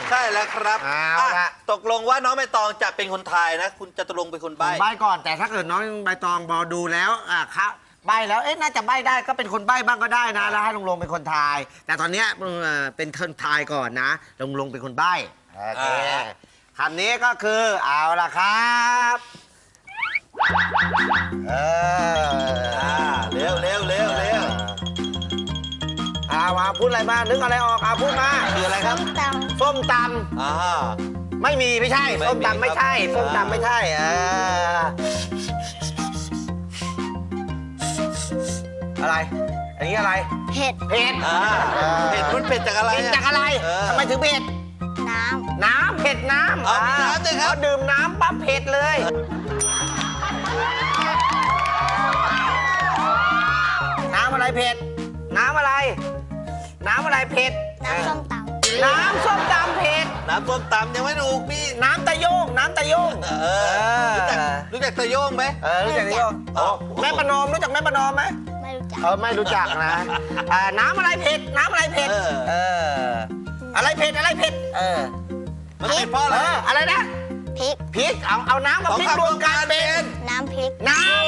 ใช่แล้วครับตกลงว่าน้องใบตองจะเป็นคนทายนะคุณจตุรงค์เป็นคนใบ้ใบ้ก่อนแต่ถ้าเกิดน้องใบตองบอดูแล้วครับใบ้แล้วน่าจะใบ้ได้ก็เป็นคนใบ้บ้างก็ได้นะแล้วให้ลุงเป็นคนทาย แต่ตอนนี้เป็นคนทายก่อนนะลุงเป็นคนใบ้โอเคคำนี้ก็คือเอาล่ะครับเร็วมาพูดอะไรมานึกอะไรออกพูดมาคืออะไรครับส้มตำไม่มีไม่ใช่ส้มตำไม่ใช่ส้มตำไม่ใช่อะไรอันนี้อะไรเผ็ดเผ็ดมันเผ็ดจากอะไรเผ็ดจากอะไรทำไมถึงเผ็ดน้ำเผ็ดน้ำมีน้ำด้วยครับดื่มน้ำปั๊บเผ็ดเลยน้ำอะไรเผ็ดน้ำอะไรเผ็ดน้ำส้มตำเผ็ดน้ำส้มตำยังไม่ถูกพี่น้ำตะโยงรู้จักตะโยงไหมรู้จักตะโยงแม่ประนอมรู้จักแม่ประนอมไหมไม่รู้จักนะน้ำอะไรเผ็ดอะไรเผ็ดมันเผ็ดเพราะอะไรนะพริกเอาน้ำมาพริกรวมกันเป็นน้ำพริก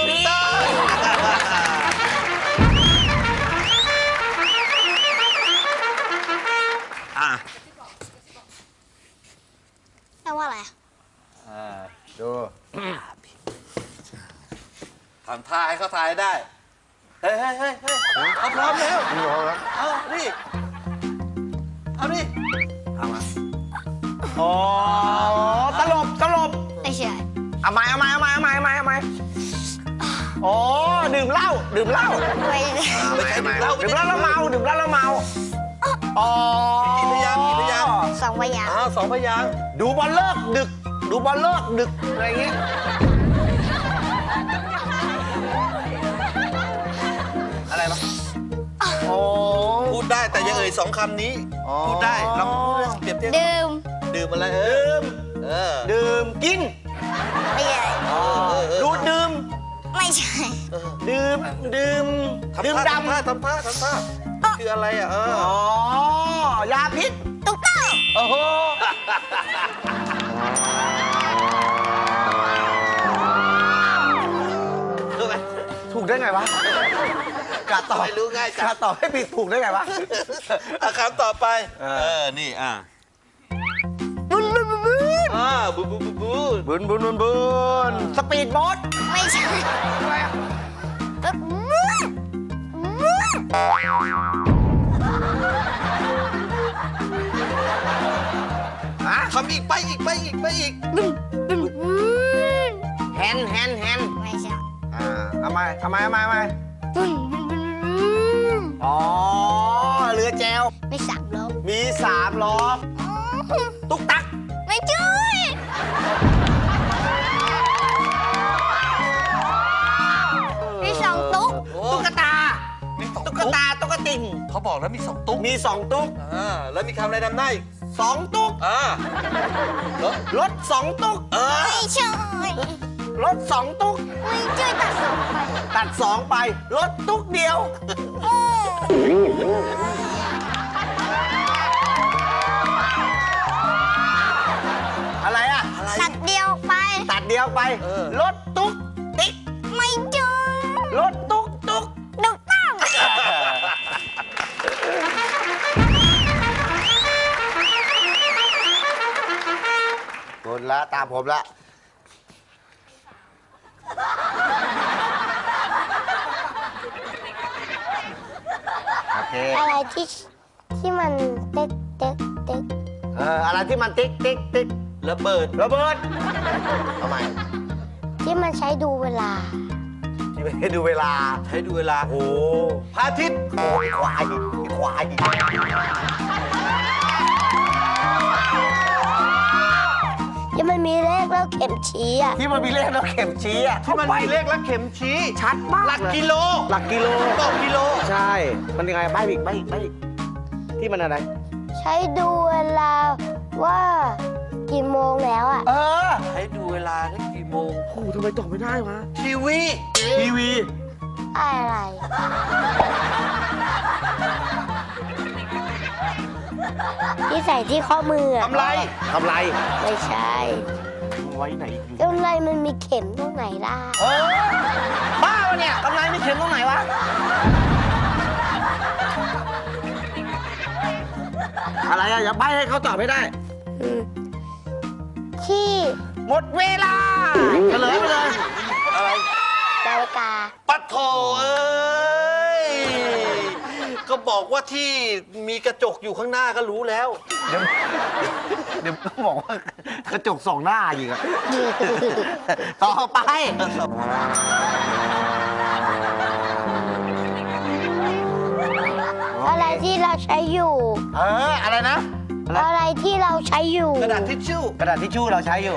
แปลว่าอะไรดูทำทายเขาทายได้เฮ้ยเขาพร้อมแล้วเอาดิเอามาตลบไม่ใช่เอาใหม่ดื่มเหล้าไม่ใช่ดื่มเหล้าแล้วเมากี่พยางสองพยางดูบอลเลิกดึกอะไรอย่างงี้อะไรวะพูดได้แต่อย่าเอ่ย2 คำนี้พูดได้ลองเปรียบเทียบดื่มอะไรดื่มกินไม่ใช่ดูดดื่มไม่ใช่ดื่มดำทำท่าคืออะไรยาพิษตุ๊กตาโอ้โหถูกได้ไงวะกะต่อไม่รู้ง่ายกะต่อให้ผิดถูกได้ไงวะคำต่อไปนี่บุนสปีดโบ๊ทไม่ใช่ทำอีกไปอีกแฮนไม่ใช่เอาไหมเรือแจวมี3 ล้อตุ๊กตักไม่ใช่มี2 ตุ๊กตุ๊กตาตุ๊กติ่งเขาบอกแล้วมี2 ตุ๊กแล้วมีคำอะไรนำหน้าอีก 2 ตุ๊กรถ2 ตุ๊กไม่ใช่รถ2 ตุ๊กไม่ใช่ตัด 2 ไปรถตุ๊กเดียวอะไรตัดเดียวไปรถตุ๊กติ๊กไม่ใช่รถตุ๊กถูกต้องคนละตามผมละโอเคอะไรที่มันติ๊กอะไรที่มันติ๊กระเบิดทำไมที่มันใช้ดูเวลาโอ้พระอาทิตย์ควายที่มันมีเลขแล้วเข็มชี้ที่มันมีเลขแล้วเข็มชี้ที่มันมีเลขแล้วเข็มชี้ชัดมากหลักกิโลบอกกิโลใช่มันยังไงใบ้อีกที่มันอะไรใช้ดูเวลาว่ากี่โมงแล้วใช้ดูเวลาได้กี่โมงทำไมตอบไม่ได้วะทีวีอะไรทีที่ใส่ที่ข้อมืออะกำไรกำไรไม่ใช่ไว้ไหนกำไรมันมีเข็มตรงไหนล่ะบ้าวะเนี่ยกำไรไม่เข็มตรงไหนวะอะไรอะอย่าใบให้เขาตอบไม่ได้อืมที่หมดเวลาเฉลยไปเลยอะไรนาฬิกาปัดโถเอ้ย ก็บอกว่าที่มีกระจกอยู่ข้างหน้าก็รู้แล้วเดี๋ยวต้องบอกว่ากระจกส่องหน้าอีกอะต่อไปอะไรที่เราใช้อยู่อะไรนะอะไรที่เราใช้อยู่กระดาษทิชชู่กระดาษทิชชู่เราใช้อยู่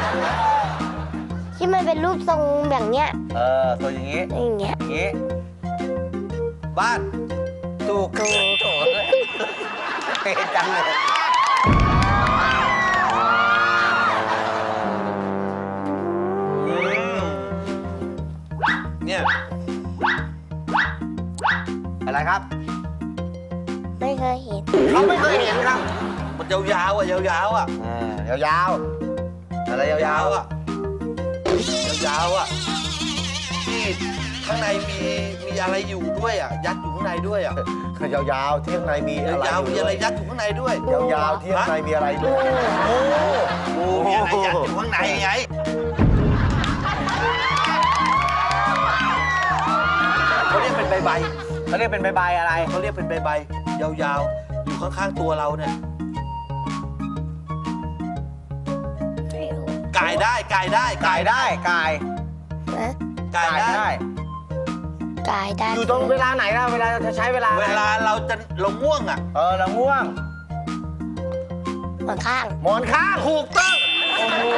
ที่มันเป็นรูปทรงแบบเนี้ยตัวอย่างนี้อย่างเงี้ยอย่างนี้บ้านถูกโถเป๊ะจังเลยเนี่ยอะไรครับไม่เคยเห็นเขาไม่เคยเห็นครับมันยาวๆอ่ะ ยาวๆอ่ะยาวๆอะไรยาวๆๆอ่ะ ยาวๆอ่ะ ที่ข้างในมีอะไรอยู่ด้วยอ่ะ ยัดอยู่ข้างในด้วยอ่ะคือยาวๆที่ข้างในมีอะไรยาวๆมีอะไรยัดอยู่ข้างในด้วยยาวๆที่ข้างในมีอะไรด้วยงูมีอะไรยัดอยู่ข้างในไง เขาเรียกเป็นใบเขาเรียกเป็นใบๆอะไรๆเขาเรียกเป็นใบๆยาวๆ อยู่ข้างๆตัวเราเนี่ยไม่รู้กายได้กายได้กายนะกายได้กายได้อยู่ตรงเวลาไหนล่ะเวลาจะใช้เวลาเวลาเราง่วงอ่ะเราง่วงหมอนข้างหมอนข้างถูกต้องโอ้โห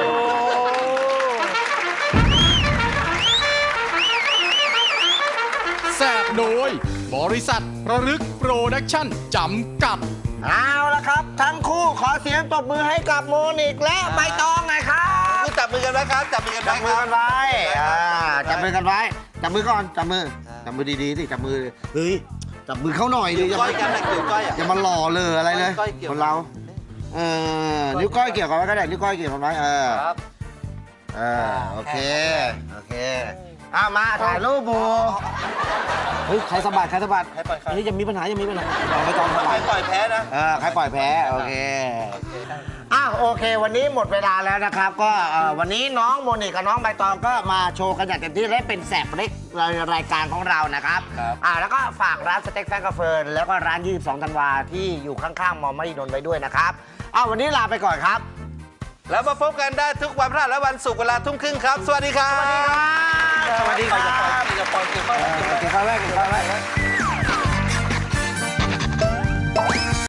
แสบโดย บริษัทระลึกโปรดักชั่นจำกัดเอาละครับ ทั้งคู่ขอเสียงตบมือให้กับโมนิกและใบตองหน่อยครับจับมือกันไว้ครับ จับมือกันไว้จับมือกันไว้จับมือกันไว้จับมือก่อนจับมือจับมือดีๆสิจับมือเฮ้ยจับมือเขาหน่อยดิเกี่ยวก้อยกันนะเกี่ยวก้อยอ่ะอย่ามาหล่อเลยอะไรเลยก้อยเกี่ยวคนเรานิ้วก้อยเกี่ยวกันไว้ก็ได้นิ้วก้อยเกี่ยวกันไว้ครับโอเคมาถ่ายรูปบูเฮ้ยใครสะบัดใครสะบัดให้ปล่อยอันนี้จะมีปัญหาไม่ต้องสะใครบัดปล่อยแพ้นะใครปล่อยแพ้โอเคโอเค วันนี้หมดเวลาแล้วนะครับ ก็วันนี้น้องโมนิกกับน้องใบตองก็มาโชว์กันอย่างเต็มที่และเป็นแสบเล็กรายการของเรานะครับแล้วก็ฝากร้านสเต็กแฟนกาเฟิร์นแล้วก็ร้าน 22 ธันวาที่อยู่ข้างๆมอมหิดลไว้ด้วยนะครับวันนี้ลาไปก่อนครับแล้วมาพบกันได้ทุกวันพฤหัสและวันศุกร์เวลาทุ่มครึ่งครับ สวัสดีครับสวัสดีครับสวัสดีครับกินข้าวแรก